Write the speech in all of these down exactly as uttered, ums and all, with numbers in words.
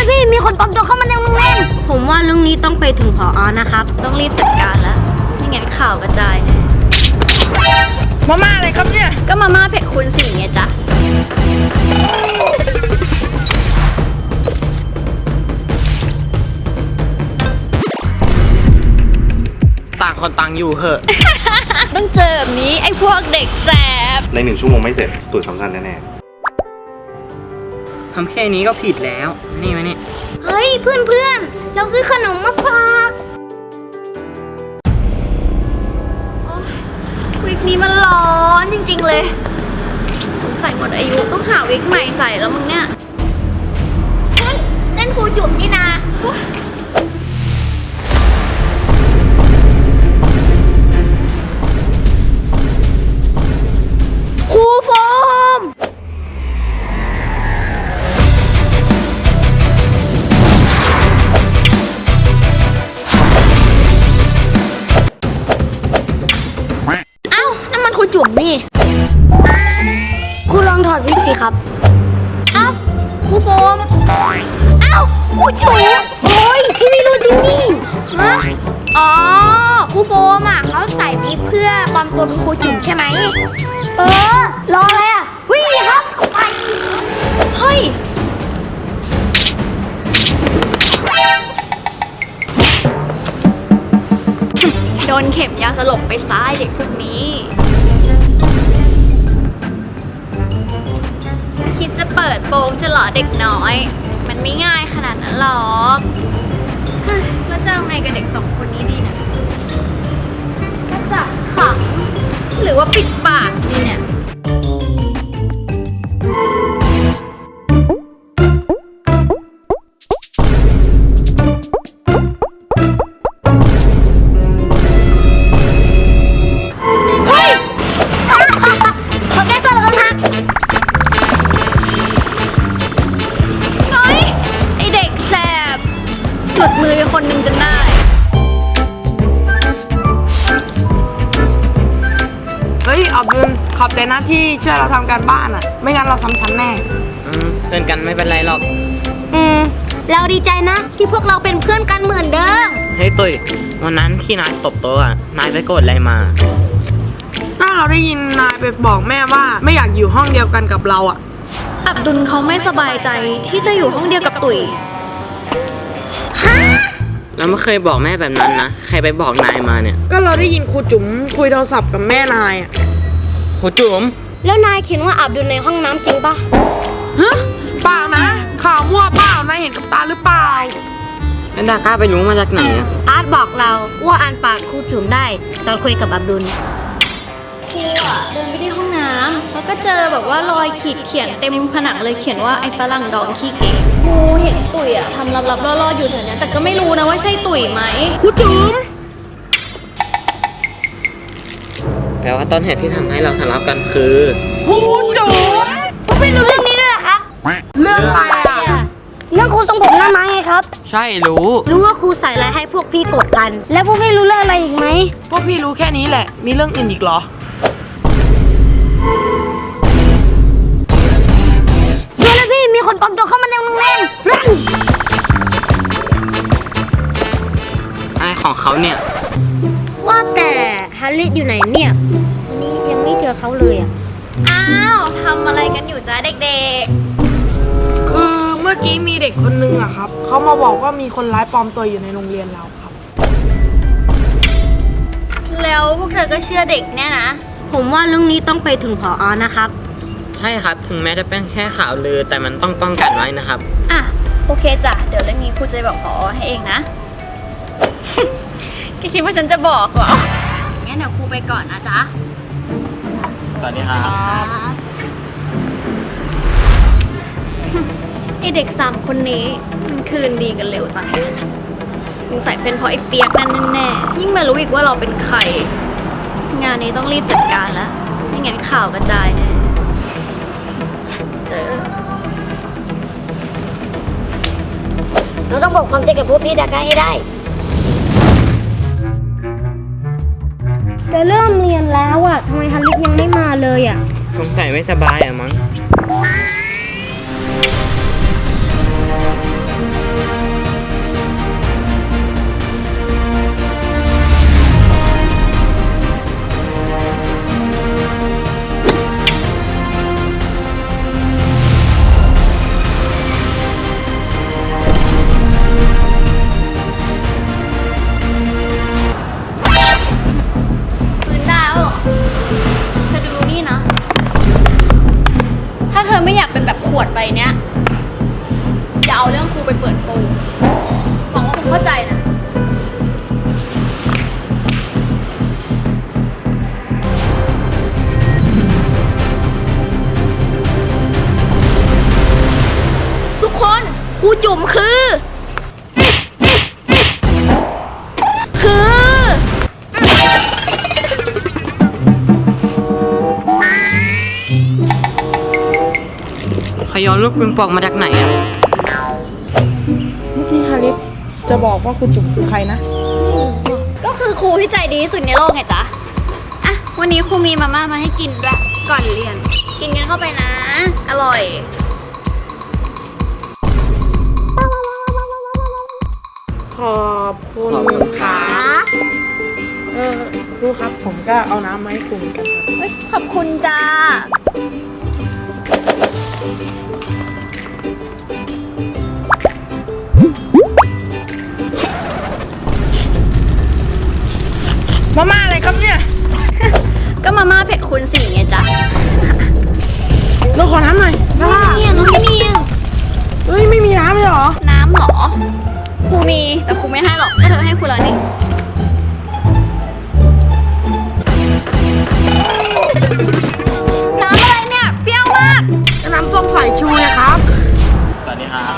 วยพี่มีคนปลอมตัวเข้ามาในโรงเรียนผมว่าเรื่องนี้ต้องไปถึงผอ.นะครับต้องรีบจัดการแล้วไม่งั้นข่าวกระจายแน่มาม่าอะไรครับเนี่ยก็มาม่าเผ็ดคูณสี่ไงจ๊ะต่างคนต่างอยู่เหอะต้องเจอแบบนี้ไอ้พวกเด็กแสบในหนึ่งชั่วโมงไม่เสร็จตรวจสำคัญแน่ทำแค่นี้ก็ผิดแล้วนี่มานี่เฮ้ยเพื่อนเพื่อนเราซื้อขนมมาฝากวิกนี้มันร้อนจริงๆเลยใส่หมดอายุต้องหาวิกใหม่ใส่แล้วมึงเนี่ยเฮ้ยนั่นครูจุ๋มนี่นาครูโฟมเอ้านั่นมันครูจุ๋มนี่ครูลองถอดวิกสิครับเอ้าครูโฟมเอ้าครูจุ๋มโอ้ยพี่ไม่รู้จริงนี่ฮะอ๋อครูโฟมอ่ะเขาใส่วิกเพื่อปลอมตัวเป็นครูจุ๋มใช่ไหมเออรออะไรอ่ะวิ่งครับไปเฮ้ยโดนเข็มยาสลบไปซ้ายเด็กพวกนี้คิดจะเปิดโปงฉลอเด็กน้อยมันไม่ง่ายขนาดนั้นหรอกแล้วจะเอาไงกับเด็กสองคนนี้ดีนะก็จะขังหรือว่าปิดปากดีเนี่ยเฮ้ยขอแก้ตัวแล้วครับน้อยไอเด็กแสบหลุดมือคนหนึ่งจนได้เฮ้ยอับดุลขอบใจนะที่ช่วยเราทำการบ้านอ่ะไม่งั้นเราซ้ำชั้นแน่อืมเพื่อนกันไม่เป็นไรหรอกอืมเราดีใจนะที่พวกเราเป็นเพื่อนกันเหมือนเดิมเฮ้ยตุ้ยวันนั้นที่นายตบโต๊ะอ่ะนายไปโกรธอะไรมาถ้าเราได้ยินนายไปบอกแม่ว่าไม่อยากอยู่ห้องเดียวกันกับเราอ่ะอับดุลเขาไม่สบายใจที่จะอยู่ห้องเดียวกับตุ๋ยฮะเราไม่เคยบอกแม่แบบนั้นนะใครไปบอกนายมาเนี่ยก็เราได้ยินครูจุ๋มคุยโทรศัพท์กับแม่นายอ่ะครูจุ๋มแล้วนายเขียนว่าอับดุลในห้องน้ำจริงปะฮะเปล่านะข่าวมั่วเปล่านายเห็นกับตาหรือเปล่าแล้วดาก้าไปรู้มาจากไหนอ่ะอาร์ตบอกเราว่าอ่านปากครูจุ๋มได้ตอนคุยกับอับดุลครูอ่ะเดินไปที่ห้องน้ำแล้วก็เจอแบบว่ารอยขีดเขียนเต็มผนังเลยเขียนว่าไอ้ฝรั่งดองขี้เก๋ครูเห็นตุ๋ยอ่ะทำลับๆล่อๆอยู่แถวนี้แต่ก็ไม่รู้นะว่าใช่ตุ๋ยไหมครูจุ๋มแปลว่าต้นเหตุที่ทำให้เราทะเลาะกันคือครูจุ๋มพวกพี่รู้เรื่องนี้ด้วยเหรอครับเรื่องอะไรอ่ะเรื่องครูทรงผมหน้าไม้ไงครับใช่รู้รู้ว่าครูใส่อะไรให้พวกพี่กดกันแล้วพวกพี่รู้เรื่องอะไรอีกไหมพวกพี่รู้แค่นี้แหละมีเรื่องอื่นอีกเหรอเชื่อแล้วพี่มีคนปลอมตัวเข้ามาในโรงเรียนอะไรของเขาเนี่ยว่าแต่ฮาริสอยู่ไหนเนี่ยวันนี้ยังไม่เจอเขาเลยอ่ะอ้าวทำอะไรกันอยู่จ้าเด็กๆคือเมื่อกี้มีเด็กคนนึงอะครับเขามาบอกว่ามีคนร้ายปลอมตัวอยู่ในโรงเรียนเราครับแล้วพวกเธอก็เชื่อเด็กเนี่ยนะผมว่าเรื่องนี้ต้องไปถึงผอ.นะครับใช่ครับถึงแม้จะเป็นแค่ข่าวลือแต่มันต้องป้องกันไว้นะครับอ่ะโอเคจ้ะเดี๋ยวเรื่องนี้ครูจะบอกผอ.ให้เองนะ คิดว่าฉันจะบอกเหรองั้นเดี๋ยวครูไปก่อนนะจ๊ะสวัสดีครับไอเด็กสามคนนี้มันคืนดีกันเร็วจังสงสัยเป็นเพราะไอ้เปียกนั่นแน่ๆยิ่งมารู้อีกว่าเราเป็นใครงานนี้ต้องรีบจัดการแล้วไม่งั้นข่าวกระจายแน่เจอเราต้องบอกความจริงกับพวกพี่ดาก้าให้ได้จะเริ่มเรียนแล้วอ่ะทำไมฮาริสยังไม่มาเลยอ่ะสงสัยไม่สบายอ่ะมั้งไปเปิดโปงหวังว่าคุณเข้าใจนะ ทุกคนครูจุ๋มคือ คือขยอนลูกปิงปองมาจากไหนอ่ะเมื่อกี้ฮาริสจะบอกว่าคุณจุ๋มคือใครนะก็คือครูที่ใจดีที่สุดในโลกไงจ๊ะ อ่ะ วันนี้ครูมีมาม่ามาให้กินด้วยก่อนเรียน กินกันเข้าไปนะ อร่อยขอบคุณครับเออครูครับผมก็เอาน้ำมาให้ครูเหมือนกันครับเฮ้ย ขอบคุณจ้ามาม่าอะไรครับเนี่ยก็มาม่าเผ็ดคูณสี่ไงจ๊ะเราขอน้ำหน่อยไม่ได้มีอ่ะน้องไม่มีอ่ะเฮ้ยไม่มีน้ำเลยเหรอน้ำเหรอ ครูมี แต่ครูไม่ให้หรอก ก็เธอให้ครูแล้วนี่ น้ำอะไรเนี่ย เปรี้ยวมากน้ำส้มสายชูนะครับสวัสดีครับ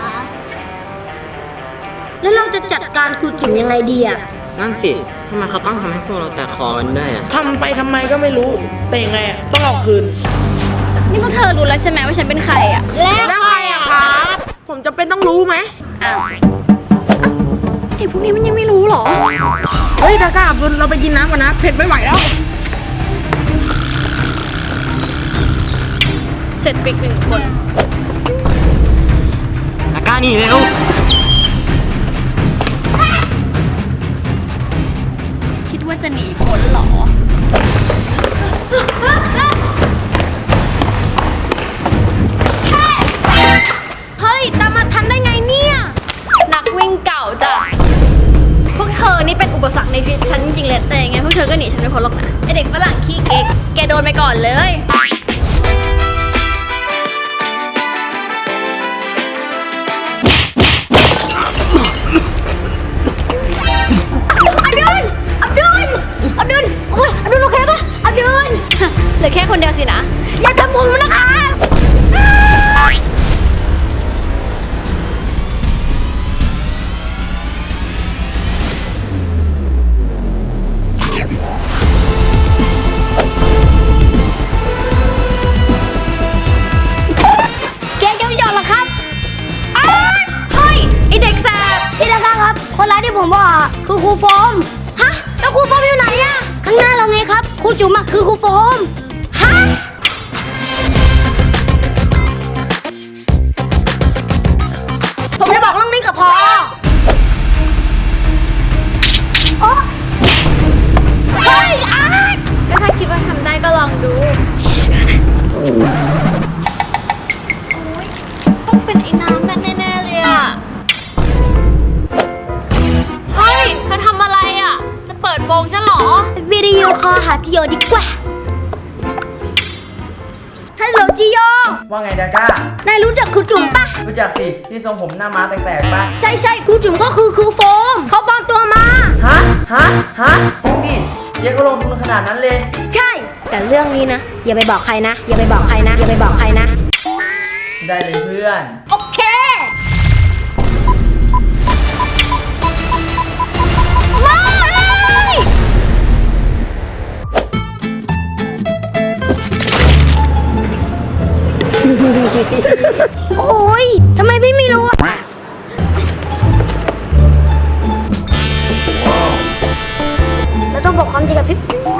แล้วเราจะจัดการครูจุ๋มยังไงดีอ่ะนั่นสิทำไมเขาต้องทำให้พวกเราแตกคอกันด้วยอ่ะทำไปทำไมก็ไม่รู้ แต่ยังไงอะต้องเอาคืนนี่พวกเธอรู้แล้วใช่ไหมว่าฉันเป็นใครอ่ะแล้วใครอะครับ ผมจะเป็นต้องรู้ไหมอ้าวไอ้พวกนี้มันยังไม่รู้เหรอเฮ้ยดาก้าอับดุลเราไปกินน้ำกันนะ เผ็ดไม่ไหวแล้วเสร็จไปอีกหนึ่งคนตะกร้านี่เร็วคิดว่าจะหนีพ้นเหรอ เฮ้ย ตามมาทันได้ไงเนี่ย นักวิ่งเก่าจ้ะ พวกเธอนี่เป็นอุปสรรคในชีวิตฉันจริงๆเลย แต่ยังไงพวกเธอก็หนีฉันไม่พ้นหรอกนะไอเด็กฝรั่งขี้เก๊ก แกโดนไปก่อนเลย อับดุล อับดุล อับดุล โอ้ย อับดุลโอเคปะอับดุล เหลือแค่คนเดียวสินะ อย่าทำผมนะคะ แกจะไม่ยอมหรอครับอ้าวเฮ้ย ไอเด็กแสบพี่ดาก้าครับ คนร้ายที่ผมบอกอะคือครูโฟม ฮะ แล้วครูโฟมอยู่ไหนอะข้างหน้าเราไงครับ ครูจุ๋มอะคือครูโฟม ฮะ ผมจะบอกเรื่องนี้กับพอโอ๊ะเฮ้ยอาร์ตก็ถ้าคิดว่าทำได้ก็ลองดู ต้องเป็นไอ้น้ำนั่นแน่ๆเลยอ่ะ เฮ้ยเธอทำอะไรอ่ะ จะเปิดโปงฉันเหรอ วิดีโอคอลหาจิโยดีกว่าฮัลโหลจิโยว่าไงดาก้านายรู้จักครูจุ๋มปะรู้จักสิที่ทรงผมหน้าม้าแตกๆปะใช่ใช่ครูจุ๋มก็คือครูโฟม เขาปลอมตัวมาฮะ ฮะ ฮะจริงดิเจ๊เขาลงทุนขนาดนั้นเลยใช่ แต่เรื่องนี้นะ อย่าไปบอกใครนะ อย่าไปบอกใครนะ อย่าไปบอกใครนะได้เลยเพื่อนโอเค มาเลยโอ้ยทำไมพี่ไม่รู้อะเราต้องบอกความจริงกับพี่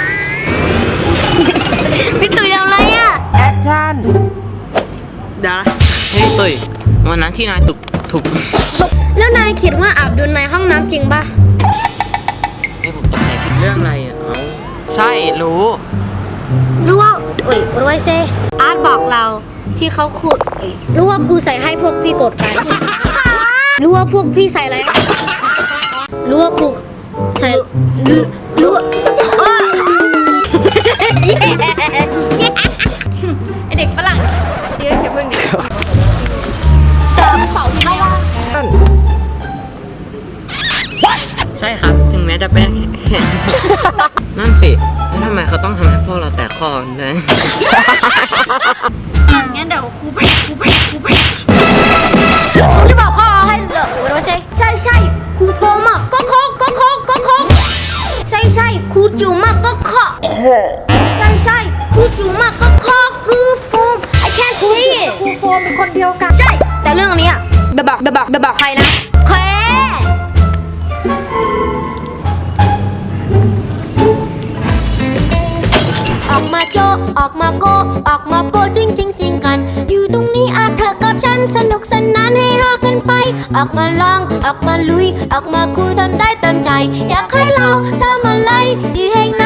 พี่ตุ๋ยทำอะไรอะแอคชั่น เดี๋ยวนะเฮ้ยตุยวันนั้นที่นายตุกถูกแล้วนายคิดว่าอับดุลในห้องน้ำจริงปะให้ผมตกใจผิดเรื่องอะไรอ่ะเอาใช่รู้รู้ว่าอุ้ยรู้ไว้เซอาร์ตบอกเราที่เขาขุดเอ้ยรู้ว่าครูใส่ให้พวกพี่กดกันรู้ว่าพวกพี่ใส่อะไรรู้ว่าครูใส่รู้รู้ว่าอ้อไอเด็กฝรั่งเดี๋ยวอย่าเพิ่งเดี๋ยวสามเสาที่ไม่ว่าจะเป็นแค่นั่นสิแล้วทำไมเขาต้องทำให้พวกเราแตกคอกันด้วยงั้นเดี๋ยวครูไปครูไปครูไปครูจะบอกพ่อให้เหรอว่าใช่ใช่ใช่ครูโฟมอ่ะก็เคาะก็เคาะก็เคาะใช่ใช่ครูจิ๋วมากก็เคาะใช่ใช่ครูจิ๋วมากก็เคาะคือโฟม I can't see it ครูโฟมเป็นคนเดียวกันใช่แต่เรื่องนี้อ่ะเบบอกเบบอกเบบอกใครนะแค่ออกมาโจออกมาโกออกมาโปจริงจริงสิงกันอยู่ตรงนี้อาเธอกับฉันสนุกสนานให้ฮากันไปออกมาลองออกมาลุยออกมาคุยทำได้เต็มใจอยากให้เราทำอะไรที่แห่ง